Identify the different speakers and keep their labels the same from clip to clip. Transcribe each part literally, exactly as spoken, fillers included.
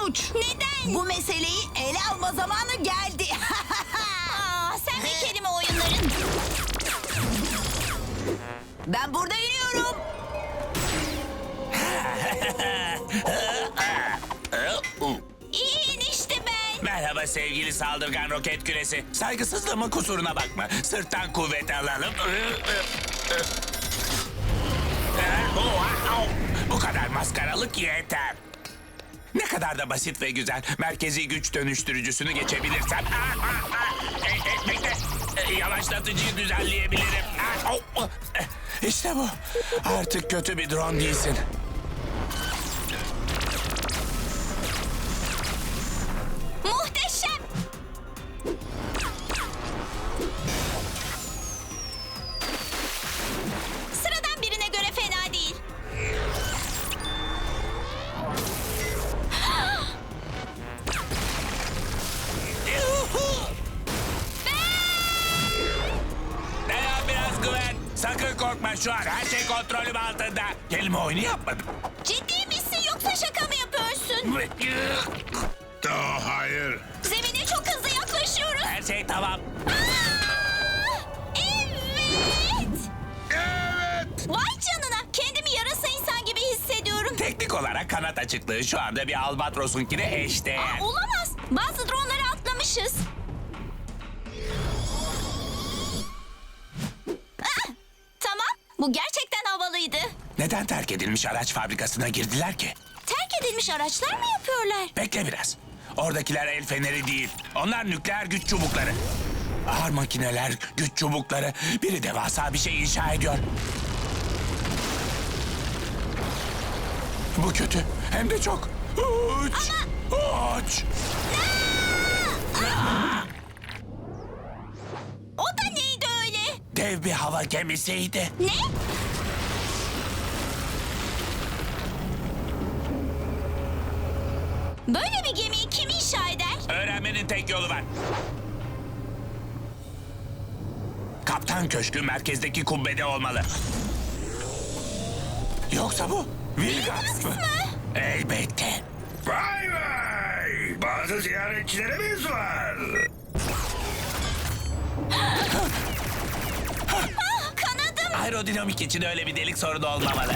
Speaker 1: sonuç.
Speaker 2: Neden?
Speaker 1: Bu meseleyi ele alma zamanı geldi.
Speaker 2: Aa, sen de kelime oyunların.
Speaker 1: Ben burada iniyorum.
Speaker 2: İyi işte ben.
Speaker 3: Merhaba sevgili saldırgan roket küresi. Saygısızlığımın kusuruna bakma. Sırttan kuvvet alalım. Bu kadar maskaralık yeter. Ne kadar da basit ve güzel. Merkezi güç dönüştürücüsünü geçebilirsem... E, e, bekle. E, Yavaşlatıcıyı düzenleyebilirim. İşte bu. Artık kötü bir drone değilsin.
Speaker 2: Muhteşem. Sıradan birine göre fena değil.
Speaker 3: Dayan biraz güven. Sakın korkma, şu an her şey kontrolüm altında. Kelime oyunu yapmadım.
Speaker 2: Ciddi misin yoksa şaka mı yapıyorsun?
Speaker 4: Oh, hayır.
Speaker 2: Zemine çok hızlı yaklaşıyoruz.
Speaker 3: Her şey tamam.
Speaker 2: Aa! Evet.
Speaker 4: Evet.
Speaker 2: Vay canına. Kendimi yarasa insan gibi hissediyorum.
Speaker 3: Teknik olarak kanat açıklığı şu anda bir albatrosunkine eşdeğer.
Speaker 2: Aa, olamaz. Bazı dronları atlamışız. Ah, tamam. Bu gerçekten havalıydı.
Speaker 3: Neden terk edilmiş araç fabrikasına girdiler ki?
Speaker 2: Terk edilmiş araçlar mı yapıyorlar?
Speaker 3: Bekle biraz. Oradakiler el feneri değil. Onlar nükleer güç çubukları. Ağır makineler, güç çubukları. Biri devasa bir şey inşa ediyor. Bu kötü. Hem de çok. Uç. Uç.
Speaker 2: O da neydi öyle?
Speaker 3: Dev bir hava gemisiydi.
Speaker 2: Ne? Böyle bir gemiyi kim inşa eder?
Speaker 3: Öğrenmenin tek yolu var. Kaptan köşkü merkezdeki kubbede olmalı. Yoksa bu Vilgax mı? Elbette.
Speaker 4: Vay vay. Bazı ziyaretçilerimiz var.
Speaker 2: Ah, kanadım.
Speaker 3: Aerodinamik için öyle bir delik sorunu olmamalı.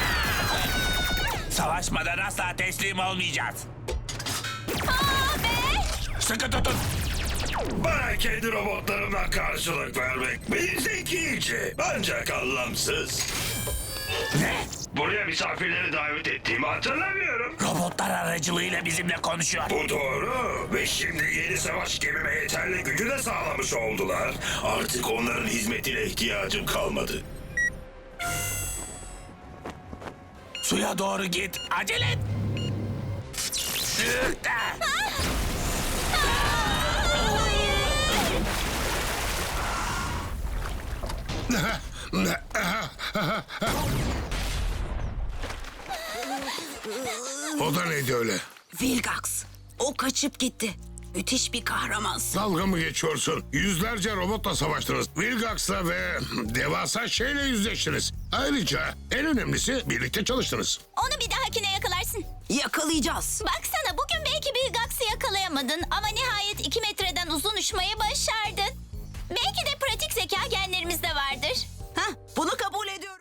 Speaker 3: Savaşmadan asla teslim olmayacağız.
Speaker 2: Aa be.
Speaker 3: Sıkı tutun.
Speaker 4: Bana kendi robotlarımla karşılık vermek bir zekice ancak anlamsız.
Speaker 3: Ne?
Speaker 4: Buraya misafirleri davet ettiğimi hatırlamıyorum.
Speaker 3: Robotlar aracılığıyla bizimle konuşuyor.
Speaker 4: Bu doğru ve şimdi yeni savaş gemime yeterli gücü de sağlamış oldular. Artık onların hizmetine ihtiyacım kalmadı.
Speaker 3: Suya doğru git. Acele et. Sürte.
Speaker 4: O da neydi öyle?
Speaker 1: Vilgax. O kaçıp gitti. Müthiş bir kahramansın.
Speaker 4: Dalga mı geçiyorsun? Yüzlerce robotla savaştınız. Vilgax'la ve devasa şeyle yüzleştiniz. Ayrıca en önemlisi birlikte çalıştınız.
Speaker 2: Onu bir dahakine yakalarsın.
Speaker 1: Yakalayacağız.
Speaker 2: Baksana bugün belki bir Gax'ı yakalayamadın ama nihayet iki metreden uzun uçmayı başardın. Belki de pratik zeka genlerimizde vardır.